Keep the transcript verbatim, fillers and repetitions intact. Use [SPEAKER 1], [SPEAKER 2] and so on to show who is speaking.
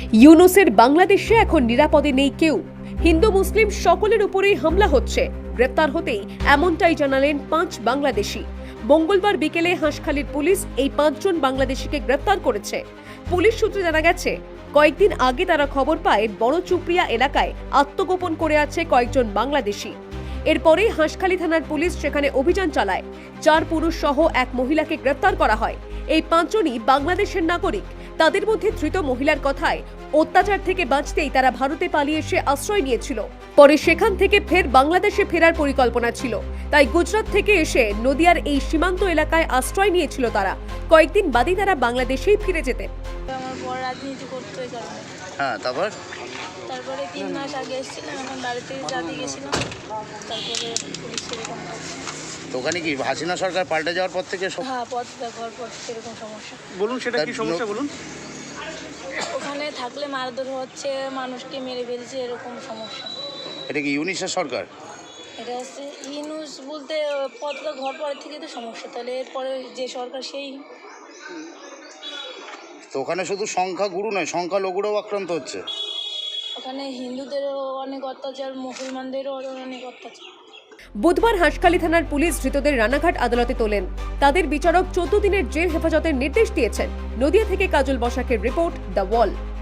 [SPEAKER 1] ইউনূসের বাংলাদেশে এখন নিরাপদে নেই কেউ। হিন্দু মুসলিম সকলের উপরেই হামলা হচ্ছে। গ্রেপ্তার হতেই এমনটাই জানালেন পাঁচ বাংলাদেশি। মঙ্গলবার বিকেলে হাঁসখালির পুলিশ এই পাঁচজন বাংলাদেশিকে গ্রেপ্তার করেছে। পুলিশ সূত্রে জানা গেছে, কয়েকদিন আগে তারা খবর পায় বড় চুপড়িয়া এলাকায় আত্মগোপন করে আছে কয়েকজন বাংলাদেশি। এরপরেই হাঁসখালি থানার পুলিশ সেখানে অভিযান চালায়। চার পুরুষ সহ এক মহিলাকে গ্রেপ্তার করা হয়। এই পাঁচজনই বাংলাদেশের নাগরিক। তাদের মধ্যে ধৃত মহিলার কথায় অত্যাচার থেকে বাঁচতেই তারা ভারতে পালিয়ে এসে আশ্রয় নিয়েছিল। পরে সেখান থেকে ফের বাংলাদেশে ফেরার পরিকল্পনা ছিল, তাই গুজরাট থেকে এসে নদিয়ার এই সীমান্ত এলাকায় আশ্রয় নিয়েছিল তারা। কয়েকদিন বাদই তারা বাংলাদেশেই ফিরে যেতেন।
[SPEAKER 2] আমার বড় রাজনীতি করতে ওই কারণে।
[SPEAKER 3] হ্যাঁ, তারপর
[SPEAKER 2] তারপরে তিন মাস আগে এসেছিলাম, এখন বাড়িতে জাতি গেছিলাম। তারপরে পুলিশ এরকম
[SPEAKER 3] তো ওখানে কি হাসিনা সরকার পাল্টে যাওয়ার পর থেকে সব
[SPEAKER 2] হ্যাঁ পথ ব্যবহার পর এরকম সমস্যা।
[SPEAKER 4] বলুন সেটা কি সমস্যা বলুন।
[SPEAKER 2] ওখানে থাকলে মারধর হচ্ছে, মানুষকে মেরে ফেলছে, এরকম সমস্যা।
[SPEAKER 3] এটা কি ইউনিসের সরকার?
[SPEAKER 2] এটা হচ্ছে ইউনুস বলতে পথটা ঘর পরের থেকে তো সমস্যা, তাহলে এরপরে যে সরকার সেই।
[SPEAKER 3] তো ওখানে শুধু সংখ্যা গুরু নয়, সংখ্যা লঘুরাও আক্রান্ত হচ্ছে।
[SPEAKER 2] ওখানে হিন্দুদেরও অনেক অত্যাচার, মুসলমানদেরও অনেক অত্যাচার।
[SPEAKER 1] বুধবার হাঁসখালি থানার পুলিশ ধৃতদের রানাঘাট আদালতে তোলেন। তাদের বিচারক চোদ্দ দিনের জেল হেফাজতের নির্দেশ দিয়েছেন। নদিয়া থেকে কাজল বসাকের রিপোর্ট, দ্য ওয়াল।